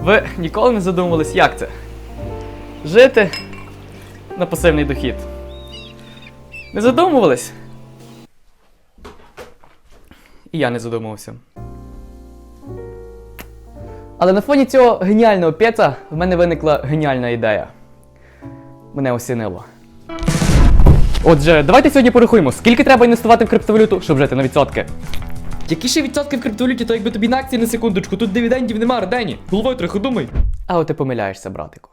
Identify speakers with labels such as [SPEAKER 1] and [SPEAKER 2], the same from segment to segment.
[SPEAKER 1] Ви ніколи не задумувались, як це? Жити на пасивний дохід. Не задумувались? І я не задумувався. Але на фоні цього геніального п'єца в мене виникла геніальна ідея. Мене осінило. Отже, давайте сьогодні порахуємо, скільки треба інвестувати в криптовалюту, щоб жити на відсотки. Які ще відсотки в криптовалюті, то якби тобі на акції на секундочку, тут дивідендів нема, Ардені. Головою трохи думай. А от ти помиляєшся, братику.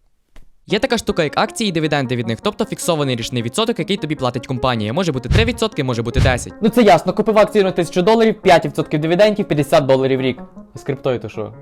[SPEAKER 1] Є така штука, як акції і дивіденди від них, тобто фіксований річний відсоток, який тобі платить компанія. Може бути 3%, може бути 10%. Ну це ясно, купив акцію на $1000, 5% дивідендів, $50 в рік. А з криптою то що?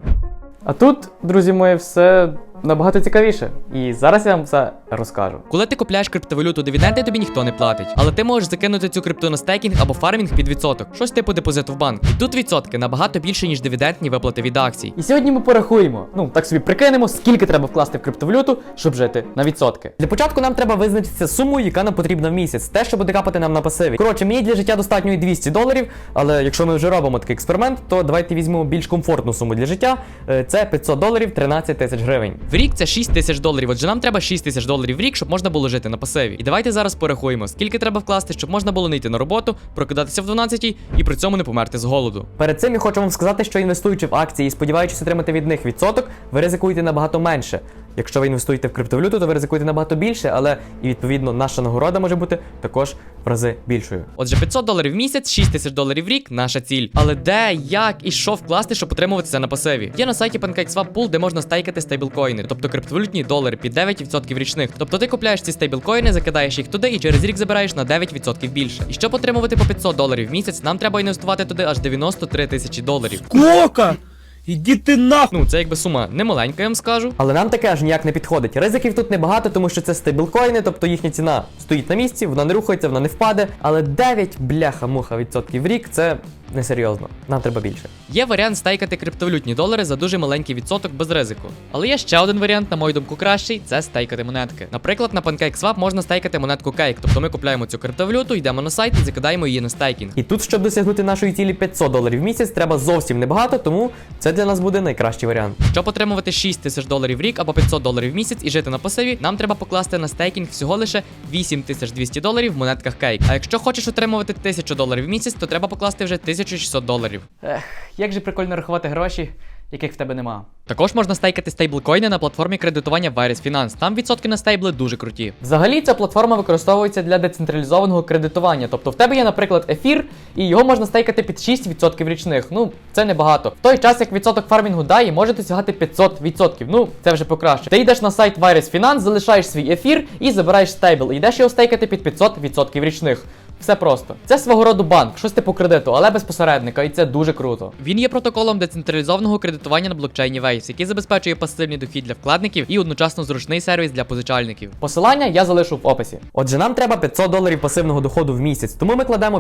[SPEAKER 1] А тут, друзі мої, все набагато цікавіше. І зараз я вам все розкажу. Коли ти купляєш криптовалюту, дивіденди тобі ніхто не платить. Але ти можеш закинути цю крипту на стейкінг або фармінг під відсоток. Щось типу депозиту в банк. І тут відсотки набагато більше, ніж дивідендні виплати від акцій. І сьогодні ми порахуємо, так собі прикинемо, скільки треба вкласти в криптовалюту, щоб жити на відсотки. Для початку нам треба визначитися суму, яка нам потрібна в місяць. Те, що буде капати нам на пасиві. Коротше, мені для життя достатньо і $200, але якщо ми вже робимо такий експеримент, то давайте візьмемо більш комфортну суму для життя. Це $500, 13 тисяч гривень. В рік це $6 тисяч. Отже, нам треба $6 тисяч в рік, щоб можна було жити на пасиві. І давайте зараз порахуємо, скільки треба вкласти, щоб можна було не йти на роботу, прокидатися в 12-й і при цьому не померти з голоду. Перед цим я хочу вам сказати, що інвестуючи в акції і сподіваючись отримати від них відсоток, ви ризикуєте набагато менше. Якщо ви інвестуєте в криптовалюту, то ви ризикуєте набагато більше, але і відповідно наша нагорода може бути також в рази більшою. Отже, $500 в місяць, $6 тисяч в рік – наша ціль. Але де, як і що вкласти, щоб отримувати це на пасиві? Є на сайті PancakeSwap Pool, де можна стейкати стейблкоїни, тобто криптовалютні долари під 9% річних. Тобто ти купляєш ці стейблкоїни, закидаєш їх туди і через рік забираєш на 9% більше. І щоб отримувати по $500 в місяць, нам треба інвестувати туди аж $93 тисячі.
[SPEAKER 2] Кока! Іди ти нахуй!
[SPEAKER 1] Це якби сума немаленька, я вам скажу. Але нам таке аж ніяк не підходить. Ризиків тут небагато, тому що це стейблкоїни, тобто їхня ціна стоїть на місці, вона не рухається, вона не впаде. Але 9 бляха-муха відсотків в рік це несерйозно. Нам треба більше. Є варіант стейкати криптовалютні долари за дуже маленький відсоток без ризику. Але є ще один варіант, на мою думку, кращий це стейкати монетки. Наприклад, на PancakeSwap можна стейкати монетку Cake. Тобто ми купляємо цю криптовалюту, йдемо на сайт і закидаємо її на стейкінг. І тут, щоб досягнути нашої цілі $500 в місяць, треба зовсім небагато, тому це для нас буде найкращий варіант. Щоб отримувати $6 тисяч в рік або $500 в місяць і жити на пасиві, нам треба покласти на стейкінг всього лише $8200 в монетках Cake. А якщо хочеш отримувати $1000 в місяць, то треба покласти вже $1600. Як же прикольно рахувати гроші, яких в тебе нема. Також можна стейкати стейблкоїни на платформі кредитування Virus Finance. Там відсотки на стейбли дуже круті. Взагалі ця платформа використовується для децентралізованого кредитування. Тобто в тебе є, наприклад, ефір, і його можна стейкати під 6% річних. Це небагато. В той час, як відсоток фармінгу DAI може досягати 500%. Це вже покраще. Ти йдеш на сайт Virus Finance, залишаєш свій ефір і забираєш стейбл. І йдеш його стейкати під 500% річних. Все просто. Це свого роду банк, щось типу кредиту, але без посередника, і це дуже круто. Він є протоколом децентралізованого кредитування на блокчейні Waves, який забезпечує пасивний дохід для вкладників і одночасно зручний сервіс для позичальників. Посилання я залишу в описі. Отже, нам треба $500 пасивного доходу в місяць, тому ми кладемо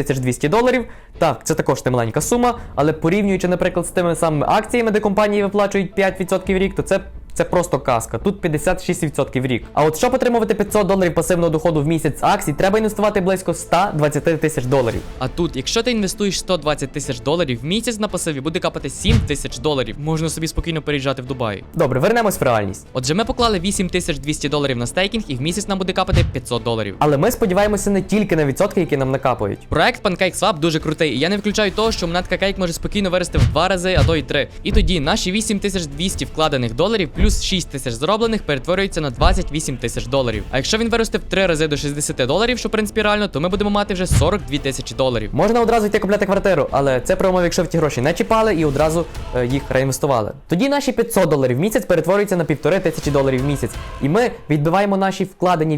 [SPEAKER 1] $8200. Так, це також немаленька сума, але порівнюючи, наприклад, з тими самими акціями, де компанії виплачують 5% в рік, то це просто казка. Тут 56% в рік. А от щоб отримувати $500 пасивного доходу в місяць з акцій, треба інвестувати близько $120 тисяч. А тут, якщо ти інвестуєш $120 тисяч в місяць на пасиві, буде капати $7 тисяч. Можна собі спокійно переїжджати в Дубай. Добре, вернемось в реальність. Отже, ми поклали $8200 на стейкінг, і в місяць нам буде капати $500. Але ми сподіваємося не тільки на відсотки, які нам накапають. Проект PancakeSwap дуже крутий, і я не виключаю того, що монетка Cake може спокійно вирости в 2 рази, а то й 3. І тоді наші $8200 вкладених доларів плюс 6 тисяч зароблених перетворюється на $28 тисяч. А якщо він виросте в 3 рази до $60, що в принципі реально, то ми будемо мати вже $42 тисячі. Можна одразу йти купляти квартиру, але це при умові, якщо в ті гроші не чіпали і одразу їх реінвестували. Тоді наші $500 в місяць перетворюються на $1500 в місяць. І ми відбиваємо наші вкладені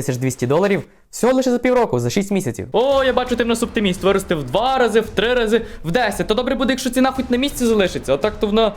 [SPEAKER 1] $8200 всього лише за півроку, за 6 місяців. О, я бачу, ти в нас оптиміст. Вирости в 2 рази, в 3 рази, в 10. То добре буде, якщо ціна хоч на місці залишиться. А так то вона,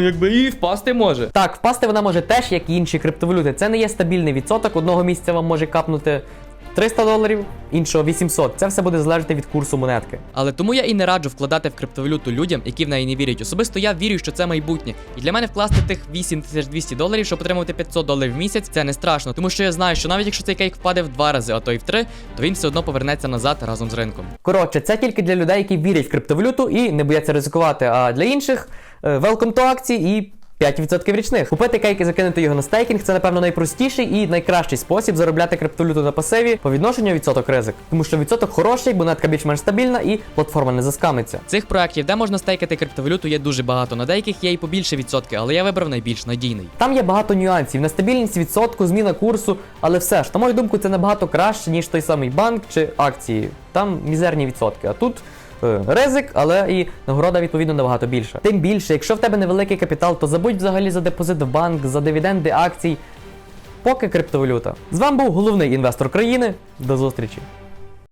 [SPEAKER 1] і впасти може. Так, впасти вона може теж, як і інші криптовалюти. Це не є стабільний відсоток. Одного місяця вам може капнути $300, іншого 800. Це все буде залежати від курсу монетки.
[SPEAKER 3] Але тому я і не раджу вкладати в криптовалюту людям, які в неї не вірять. Особисто я вірю, що це майбутнє. І для мене вкласти тих $8200, щоб отримувати $500 в місяць, це не страшно. Тому що я знаю, що навіть якщо цей кейк впаде в 2 рази, а то й в 3, то він все одно повернеться назад разом з ринком.
[SPEAKER 1] Коротше, це тільки для людей, які вірять в криптовалюту і не бояться ризикувати. А для інших welcome to акції і 5% річних. Купити кейк і закинути його на стейкінг – це, напевно, найпростіший і найкращий спосіб заробляти криптовалюту на пасиві по відношенню відсоток ризик. Тому що відсоток хороший, монетка більш-менш стабільна і платформа не заскамиться.
[SPEAKER 3] Цих проєктів, де можна стейкати криптовалюту, є дуже багато. На деяких є і побільше відсотки, але я вибрав найбільш надійний.
[SPEAKER 1] Там є багато нюансів, нестабільність відсотку, зміна курсу, але все ж, на мою думку, це набагато краще, ніж той самий банк чи акції. Там мізерні відсотки, а тут ризик, але і нагорода, відповідно, набагато більша. Тим більше, якщо в тебе невеликий капітал, то забудь взагалі за депозит в банк, за дивіденди акцій. Поки криптовалюта. З вами був головний інвестор країни. До зустрічі!